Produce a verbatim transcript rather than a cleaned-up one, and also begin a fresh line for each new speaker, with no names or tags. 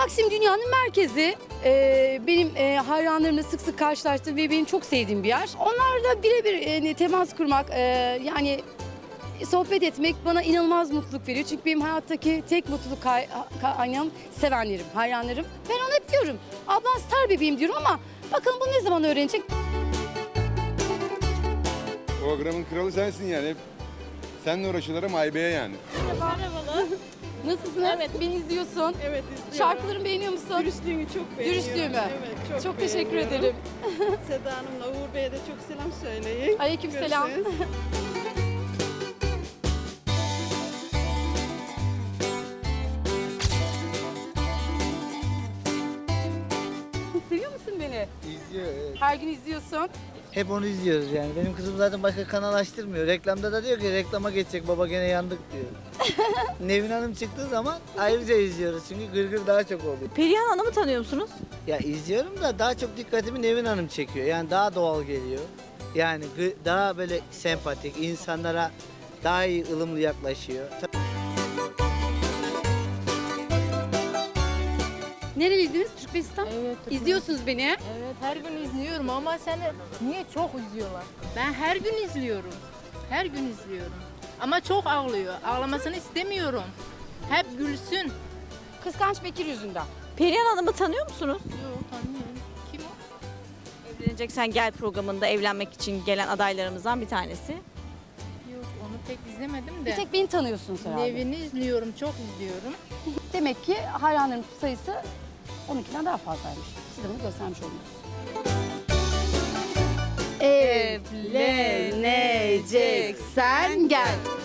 Taksim dünyanın merkezi. Ee, benim e, hayranlarımla sık sık karşılaştığım ve benim çok sevdiğim bir yer. Onlarla birebir e, temas kurmak, e, yani sohbet etmek bana inanılmaz mutluluk veriyor. Çünkü benim hayattaki tek mutluluk kay- kaynağım sevenlerim, hayranlarım. Ben ona hep diyorum, ablan star bebeğim diyorum ama bakalım bunu ne zaman öğrenecek?
Programın kralı sensin yani. Hep seninle uğraşıyorlar ama Aybe'ye yani.
Merhabalar.
Nasılsın?
Evet.
Beni izliyorsun.
Evet izliyorum.
Şarkılarımı beğeniyor musun?
Dürüstlüğünü çok beğeniyorum.
Dürüstlüğümü.
Evet çok
Çok teşekkür
beğeniyorum.
ederim.
Seda Hanım'la Uğur Bey'e de çok selam söyleyin.
Aleykümselam.
Görüşürüz.
Seviyor musun beni?
İzliyor, evet.
Her gün izliyorsun.
Hep onu izliyoruz yani. Benim kızım zaten başka kanal açtırmıyor. Reklamda da diyor ki reklama geçecek baba gene yandık diyor. Nevin Hanım çıktığı zaman ayrıca izliyoruz çünkü gırgır daha çok oluyor.
Perihan Hanım'ı tanıyor musunuz?
Ya izliyorum da daha çok dikkatimi Nevin Hanım çekiyor. Yani daha doğal geliyor. Yani gı- daha böyle sempatik, insanlara daha iyi ılımlı yaklaşıyor.
Nereliydiniz? Türkmenistan.
Evet.
İzliyorsunuz beni.
Evet, her gün izliyorum ama seni niye çok izliyorlar? Ben her gün izliyorum. Her gün izliyorum. Ama çok ağlıyor. Ağlamasını istemiyorum. Hep gülsün.
Kıskanç Bekir yüzünden.
Perihan Hanım'ı tanıyor musunuz?
Yok, tanımıyorum. Kim o?
Evleneceksen Gel programında evlenmek için gelen adaylarımızdan bir tanesi.
Yok, onu pek izlemedim
Bir
de.
tek beni tanıyorsunuz herhalde.
Nevini izliyorum, çok izliyorum.
Demek ki hayranların sayısı onunkinden daha fazlaymış. Size bunu göstermiş oldunuz. Evleneceksen gel.